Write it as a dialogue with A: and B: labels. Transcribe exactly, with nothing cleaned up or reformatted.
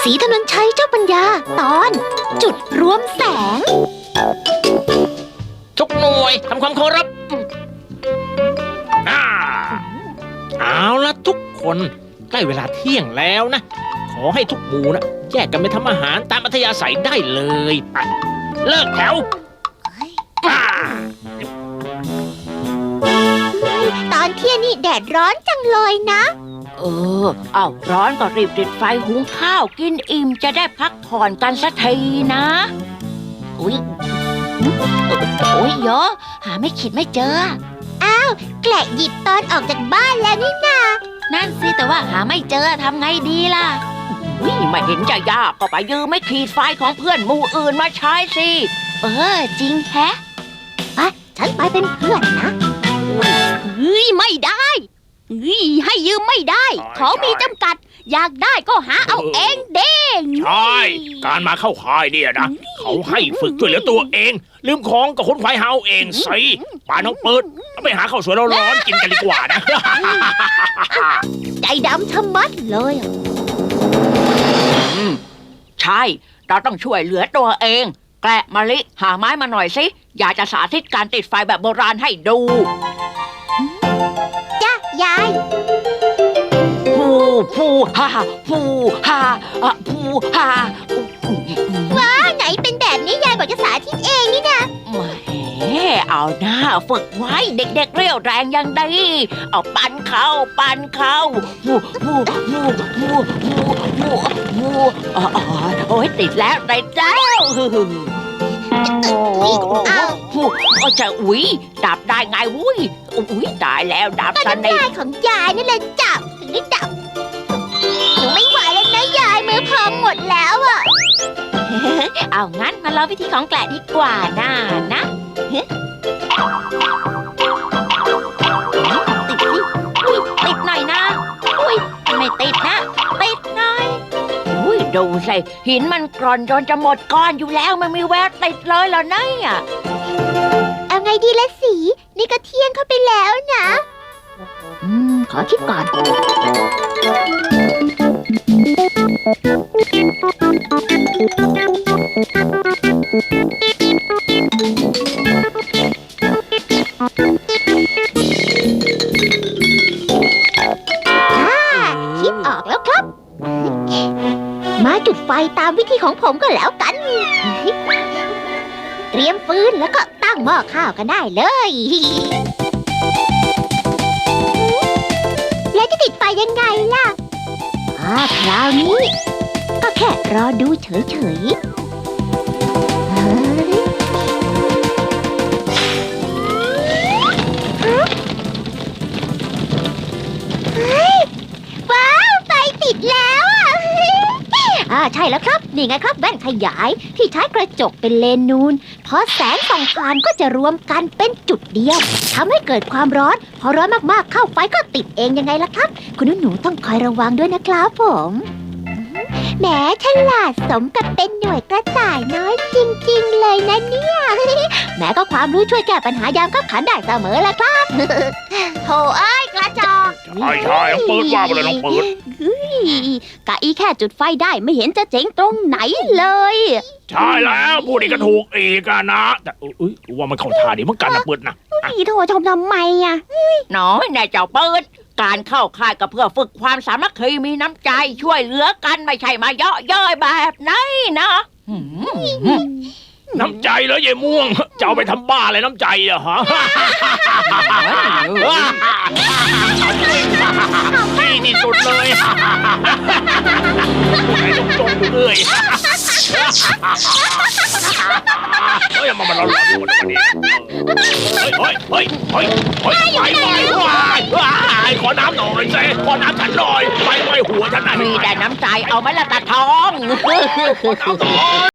A: ศรีถนนชัยเจ้าปัญญาตอนจุดรวมแสง
B: ทุกหน่วยทำความเคารพอ่าเอาละทุกคนใกล้เวลาเที่ยงแล้วนะขอให้ทุกหมู่นะแยกกันไปทำอาหารตามอัธยาศัยได้เลยไปเลิกแถว
A: ตอนเที่ยงนี่แดดร้อนจังเลยนะ
C: เออเอาร้อนก็รีบติดไฟหุงข้าวกินอิ่มจะได้พักผ่อนกันสักทีนะอุ้ยโอ้ยโยหาไม่ขิดไม่เจอ
A: อ้าวแกละหยิบตอนออกจากบ้านแล้วนี่นา
C: นั่นสิแต่ว่าหาไม่เจอทำไงดีล่ะอุ้ยไม่เห็นจะยากก็ไปยืมไม่ขีดไฟของเพื่อนหมู่อื่นมาใช้สิ
A: เออจริงแฮะอ่ะฉันไปเป็นเพื่อนนะ
D: เฮ้ยไม่ได้เฮ้ยให้ยืมไม่ได้ของมีจำกัดอยากได้ก็หาเอาเองเด้ง
B: ใช่การมาเข้าค่ายเนี่ยนะเขาให้ฝึกช่วยเหลือตัวเองลืมของก็ค้นไฟหาเอาเองสิป่าน้องเปิดไปหาข้าวสวยร้อนๆกินกันดีกว่านะ
A: ใจดำชะมัดเลย
C: ใช่เราต้องช่วยเหลือตัวเองแกละมะลิหาไม้มาหน่อยสิอยากจะสาธิตการติดไฟแบบโบราณให้ดู
A: จ้ะยาย
C: ฟูฟูฮ่าฟูฮ่าฟูฮ่า
A: ว้าไหนเป็นแบบนี้ยายบอกจะสาธิตเองนี่นะ
C: แหมเอาหน้าฝึกไว้เด็กๆเรี่ยวแรงยังดีเอาปั่นเข้าปั่นเข้าฟูฟูฟูฟูฟูฟูฟูอ๋อโอ้ยติดแล้วติดแล้วอ้าวฟูจะอุ้ยดับได้ไงวุ้ยอุ้ยตายแล้วดับ
A: กันได้ของยายนี่เลยจับถึงได้ดับหนูไม่ไหวแล้วนะยายมือพองหมดแล้วอ่ะ
C: เอางั้นมาลองวิธีของแกละดีกว่าน่านะติดสิอุ้ยติดหน่อยนะอุ้ยไม่ติดนะติดหน่อยอุ้ยดูสิหินมันกร่อนจนจะหมดก้อนอยู่แล้วไม่มีแววติดเลยเหรอเนี่ย
A: เอาไงดีละสีนี่ก็เที่ยงเข้าไปแล้วนะอืมขอคิดก่อนคิดออกแล้วครับมาจุดไฟตามวิธีของผมก็แล้วกันเตรียมฟืนแล้วก็ตั้งหม้อข้าวกันได้เลยแล้วจะติดไฟยังไงล่ะอ่าคราวนี้ก็แค่รอดูเฉยๆว้าวไฟติดแล้วอ่ะอ่าใช่แล้วครับนี่ไงครับแว่นขยายที่ใช้กระจกเป็นเลนนูนพอแสงส่องผ่านก็จะรวมกันเป็นจุดเดียวทำให้เกิดความร้อนพอร้อนมากๆเข้าไฟก็ติดเองยังไงล่ะครับคุณหนูต้องคอยระวังด้วยนะครับผมแหมฉลาดสมกับเป็นหน่วยกระต่ายน้อยจริงๆเลยนะเนี่ยแหมก็ความรู้ช่วยแก้ปัญหายามขับขันได้เสมอละครับโธ่เอ้ยกระจอก
B: ใช่ใช่น้องเปิดว่าไปเลยน้องเปิด
D: กะอีแค่จุดไฟได้ไม่เห็นจะเจ๋งตรงไหนเลย
B: ใช่แล้วพูดอีกก็ถูกอีกนะแต่เอ้ยว่ามันเข้าท่าดีเหมือนกันนะเปิดนะ
A: พี่โทรชมทำไมอ่ะ
C: น้อยนายเจ้าเปิดการเข้าค่ายก็เพื่อฝึกความสามัคคีมีน้ำใจช่วยเหลือกันไม่ใช่มาเยาะเย้ยแบบนี้นะ
B: น้ำใจเหรอยายม่วงจะเอาไปทำบ้าอะไรน้ำใจอะฮะนี่ที่สุดเลยผู้ไหนต้องจมอยู่เลยเฮ้ยมามาเราหลอกดูกันดิเฮ้ยเฮ้ยเฮ้ยเฮ้ยเฮ้ยไปไปไปไปขอน้ำหน่อยสิขอน้ำฉันหน่อยไปไปหัวฉันหน่อย
C: มีแต่น้ำใจเอาไหมล่ะตาทอง
B: ขอน้ำหน่อย